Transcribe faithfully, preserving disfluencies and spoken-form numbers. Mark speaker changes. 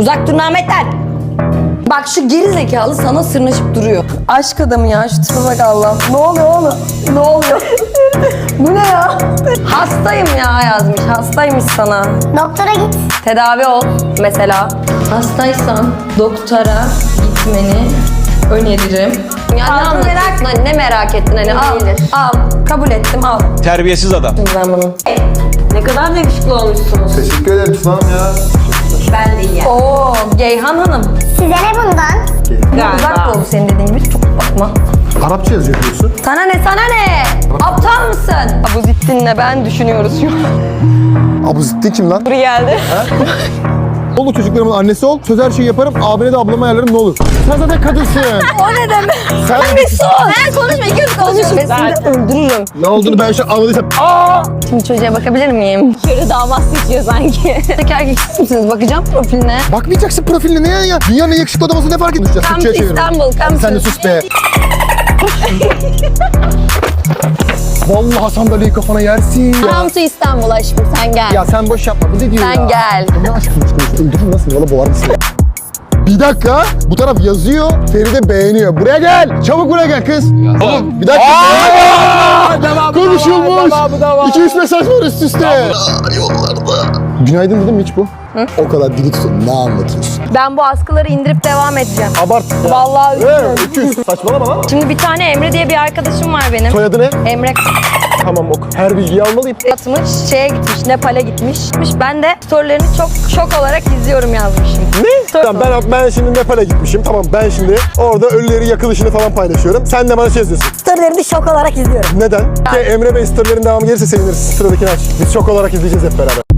Speaker 1: Uzak durun Ahmet'ten. Bak şu geri zekalı sana sırnaşıp duruyor. Aşk adamı ya, şu tipe bak Allah. Ne oluyor oğlum? Ne oluyor? Bu ne ya? Hastayım ya yazmış. Hastaymış sana.
Speaker 2: Doktora git.
Speaker 1: Tedavi ol mesela. Hastaysan doktora gitmeni öneririm. Ya ne anlatıyorsun? Hani ne merak ettin hani? Al, al. Kabul ettim, al.
Speaker 3: Terbiyesiz adam.
Speaker 1: Ben bunu.
Speaker 4: Ne kadar da yakışıklı olmuşsunuz.
Speaker 5: Teşekkür ederim Tuna'm ya.
Speaker 4: Ben de iyi.
Speaker 1: Oo, Geyhan Hanım.
Speaker 2: Size ne bundan?
Speaker 1: Uzak ol senin dediğin gibi. Çok bakma.
Speaker 5: Arapça yazıyor diyorsun.
Speaker 1: Sana ne, sana ne? Aptal mısın? Abu Zittin'le ben düşünüyoruz şu an.
Speaker 5: Abu Zitti kim lan?
Speaker 1: Buraya geldi.
Speaker 5: Olur çocuklarımın annesi ol. Söz her şeyi yaparım. Abine de ablama ayarlarım ne olur. Sen zaten kadınsın.
Speaker 1: O ne demek?
Speaker 5: Sen
Speaker 1: Bir sus. Sen konuşma, iki yüz konuşma. Ben seni öldürürüm.
Speaker 5: ne olduğunu ben şu an anladıysam. Aa!
Speaker 1: Şimdi çocuğa bakabilir miyim?
Speaker 4: Körü damat seçiyor sanki.
Speaker 1: Tek erkeksiz misiniz? Bakacağım profiline.
Speaker 5: Bakmayacaksın profiline ne ya ya? Dünyanın en yakışıklı adamı ne fark edeceğiz?
Speaker 1: Come to
Speaker 5: Türkçe'ye çeviriyorum.
Speaker 1: İstanbul, come
Speaker 5: Sen de
Speaker 1: to.
Speaker 5: sus be. Vallahi sandalyeyi kafana yersin ya.
Speaker 1: Come to İstanbul aşkım, sen gel.
Speaker 5: Ya sen boş yapma. Bu ne diyor
Speaker 1: Sen
Speaker 5: ya?
Speaker 1: gel.
Speaker 5: Ne aşkım işte öldürür nasıl? Valla boğar mısın? Bir dakika. Bu taraf yazıyor. Feride beğeniyor. Buraya gel. Çabuk buraya gel kız. Oğlum bir dakika.
Speaker 3: Devam,
Speaker 5: Konuşulmuş.
Speaker 3: devam, devam.
Speaker 5: iki üç mesaj var üst üste. Yollarda. Günaydın dedim mi hiç bu? Hı? O kadar dili tutun. Ne anlatıyorsun?
Speaker 1: Ben bu askıları indirip devam edeceğim.
Speaker 5: Abart.
Speaker 1: Vallahi
Speaker 5: Evet, iki yüz. Saçmalama lan.
Speaker 1: Şimdi bir tane Emre diye bir arkadaşım var benim.
Speaker 5: Soyadı ne?
Speaker 1: Emre
Speaker 5: Tamam ok. Her bilgiyi almalıyım.
Speaker 1: atmış, şeye gitmiş, Nepal'e gitmiş. Ben de storylerini çok şok olarak izliyorum yazmışım.
Speaker 5: Ne? Tamam ben, ben şimdi Nepal'e gitmişim. Tamam ben şimdi orada ölüleri yakılışını falan paylaşıyorum. Sen de bana şey yazıyorsun.
Speaker 1: Storylerini şok olarak izliyorum.
Speaker 5: Neden? Ki Emre Bey storylerin devamı gelirse seviniriz. Sıradakini aç. Biz şok olarak izleyeceğiz hep beraber.